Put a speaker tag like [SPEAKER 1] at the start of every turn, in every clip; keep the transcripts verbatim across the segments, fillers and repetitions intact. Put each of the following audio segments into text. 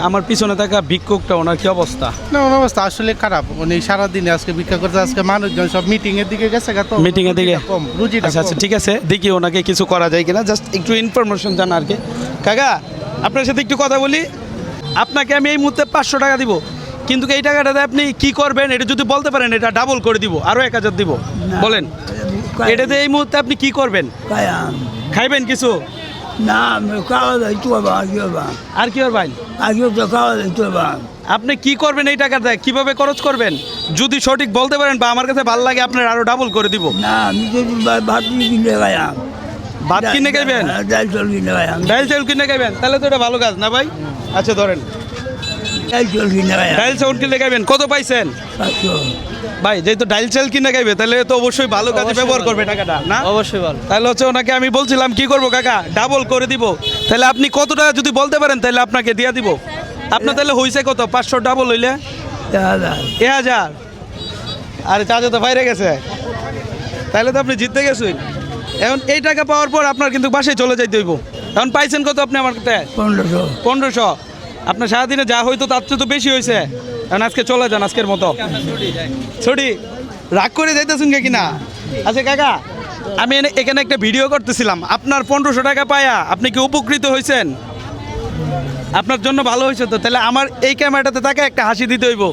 [SPEAKER 1] আমার পিছনে থাকা ভিক্ষুকটা ওনার কি অবস্থা?
[SPEAKER 2] না ওনার অবস্থা আসলে খারাপ। উনি সারাদিনে আজকে ভিক্ষা করতে, আজকে মানুষজন সব মিটিং এর দিকে গেছে গা, তো
[SPEAKER 1] মিটিং এর দিকে
[SPEAKER 2] কম রুজিটা
[SPEAKER 1] আচ্ছা আচ্ছা ঠিক আছে, দেখি ওনাকে কিছু করা যায় কিনা, জাস্ট একটু ইনফরমেশন জানা আর কি। কাকা আপনার সাথে একটু কথা বলি। আপনাকে আমি এই মুহূর্তে পাঁচশো টাকা দিব, কিন্তু এই টাকাটাতে আপনি কি করবেন এটা যদি বলতে পারেন এটা ডাবল করে দিব, আরও এক হাজার দিব। বলেন এটাতে এই মুহূর্তে আপনি কি করবেন? খাইবেন কিছু?
[SPEAKER 3] না আমি খাওয়া দাওয়া একটু বাবা আগে বাবা
[SPEAKER 1] আর কি করবেন?
[SPEAKER 3] আগে তো খাওয়া দাওয়া একটু বাবা।
[SPEAKER 1] আপনি কি করবেন এই টাকাটা, কিভাবে খরচ করবেন যদি সঠিক বলতে পারেন বা আমার কাছে ভালো লাগে আপনার আরো ডাবল করে দিব।
[SPEAKER 3] না আমি যদি বা- ভাত কিনে খাইয়াম,
[SPEAKER 1] ভাত কিনে খাইবেন?
[SPEAKER 3] ডাল চাল কিনে খাইয়াম,
[SPEAKER 1] ডাইল চাউল কিনে খাইবেন? তাহলে তো এটা ভালো কাজ না ভাই। আচ্ছা ধরেন
[SPEAKER 3] ডাল চাল কিনে খাইয়াম
[SPEAKER 1] ডাইল চাউল কিনে খাইবেন। কত পাইছেন
[SPEAKER 3] পাঁচশো।
[SPEAKER 1] ভাই? যেহেতু ডাইল চাল কিনে খাইবে তাহলে তো অবশ্যই ভালো কাজে ব্যবহার করবে টাকাটা না?
[SPEAKER 4] অবশ্যই ভালো।
[SPEAKER 1] তাহলে হচ্ছে ওনাকে আমি বলছিলাম কি করবো কাকা, ডাবল করে দিব। তাহলে আপনি কত টাকা যদি বলতে পারেন তাহলে আপনাকে দিয়ে দিব। আপনার তাহলে হয়েছে কত? পাঁচশো ডাবল হইলে
[SPEAKER 3] দাদা
[SPEAKER 1] এ হাজার। আরে চাচা তো বাইরে গেছে, তাহলে তো আপনি জিততে গেছেন। এখন এই টাকা পাওয়ার পর আপনার কিন্তু বাসায় চলে যাইতে হইব। এখন পাইছেন কত আপনি আমার কাছে?
[SPEAKER 3] পনেরোশো।
[SPEAKER 1] পনেরোশো। আপনার সারাদিনে যা হয়তো তার চেয়ে তো বেশি হয়েছে। এখন আজকে চলে যান আজকের মতো। ছুটি রাগ করে যাইতেছেন কে কিনা? আচ্ছা কাকা আমি এনে- এখানে একটা ভিডিও করতেছিলাম, আপনার পনেরোশো টাকা পায়া আপনি কি উপকৃত হয়েছেন? আপনার জন্য ভালো হয়েছে তো? তাহলে আমার এই ক্যামেরাটাতে তাকে একটা হাসি দিতে হইব,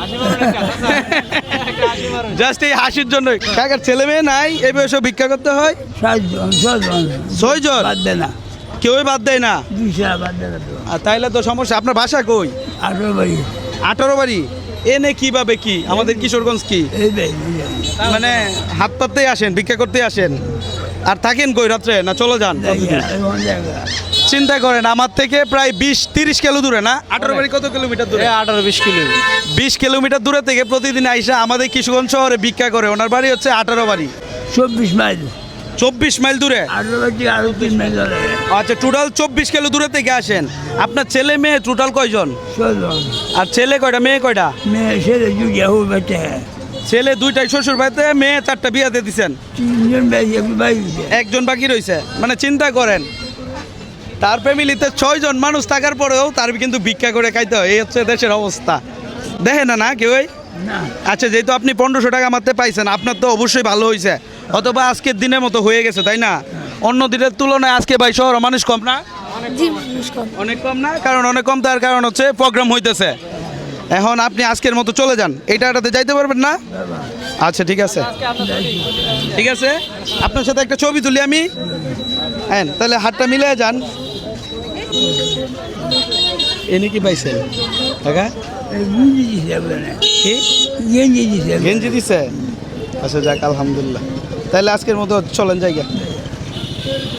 [SPEAKER 1] জাস্ট এই হাসির জন্য। কাকার ছেলে মেয়ে নাই এই বয়সে ভিক্ষা করতে হয়?
[SPEAKER 3] সাতজন ছজন
[SPEAKER 1] ছয়জন?
[SPEAKER 3] বাদ দে না,
[SPEAKER 1] কেউই বাদ দেয় না।
[SPEAKER 3] দুইশো বাদ দে না তো।
[SPEAKER 1] আর তাইলে তো সমস্যা। আপনার বাসা কই?
[SPEAKER 3] আঠারো বাড়ি
[SPEAKER 1] আঠারো বাড়ি। এনে কিভাবে কি আমাদের কিশোরগঞ্জ কি
[SPEAKER 3] এই বাড়ি
[SPEAKER 1] মানে হাত পাততেই আসেন, ভিক্ষা করতেই আসেন? আর থাকেন কই রাত্রে না চলে যান? চিন্তা করেন আমার থেকে প্রায় বিশ তিরিশ কিলো দূরে না? আঠারো বাড়ি কত কিলোমিটার দূরে?
[SPEAKER 4] আঠারো বিশ কিলো
[SPEAKER 1] বিশ কিলোমিটার দূরে থেকে প্রতিদিন আইসা আমাদের কিশোরগঞ্জ শহরে ভিক্ষা করে। ওনার বাড়ি হচ্ছে আঠারো বাড়ি,
[SPEAKER 3] চব্বিশ মাইল।
[SPEAKER 1] চব্বিশ মাইল দূরে।
[SPEAKER 3] আঠারো বাড়ি আরো তিন মাইল ধরে
[SPEAKER 1] আচ্ছা টোটাল চব্বিশ কিলো দূরে থেকে আসেন। আপনার ছেলে মেয়ে টোটাল কয়জন?
[SPEAKER 3] ছজন।
[SPEAKER 1] আর ছেলে কয়টা মেয়ে কয়টা?
[SPEAKER 3] মেয়ে ছেলে জুড়িয়া হো বেটে
[SPEAKER 1] ছেলে দুইটাই শ্বশুর বাড়িতে, মেয়ে চারটা বিয়াতে দিচ্ছেন,
[SPEAKER 3] তিনজন বাড়ি একটু বাড়ি
[SPEAKER 1] একজন বাকি রয়েছে। মানে চিন্তা করেন তার ফ্যামিলিতে ছয়জন মানুষ থাকার পরেও তার কিন্তু ভিক্ষা করে খাইতে হয়। এই হচ্ছে দেশের অবস্থা, দেখে না না কেউই।
[SPEAKER 3] না
[SPEAKER 1] আচ্ছা যেহেতু আপনি পনেরোশো টাকা মারতে পাইছেন আপনার তো অবশ্যই ভালো হয়েছে, অথবা আজকের দিনের মতো হয়ে গেছে তাই না? অন্য দিনের তুলনায় আজকে ভাই শহর মানুষ কম না?
[SPEAKER 5] জি মানুষ কম।
[SPEAKER 1] অনেক কম না? কারণ অনেক কম তার কারণ হচ্ছে প্রোগ্রাম হইতেছে। এখন আপনি আজকের মতো চলে যান, এইটা এটাতে যাইতে পারবেন না? আচ্ছা ঠিক আছে ঠিক আছে, আপনার সাথে একটা ছবি তুলি আমি। হ্যাঁ তাহলে হাতটা মিলে যান। এনে কি পাইছেন কাকা?
[SPEAKER 3] গেঞ্জি দিছে আপনারা,
[SPEAKER 1] কি
[SPEAKER 3] গেঞ্জি দিছে
[SPEAKER 1] গেঞ্জি দিছে? আচ্ছা যাক আলহামদুলিল্লাহ। তাহলে আজকের মতো চলেন জায়গা।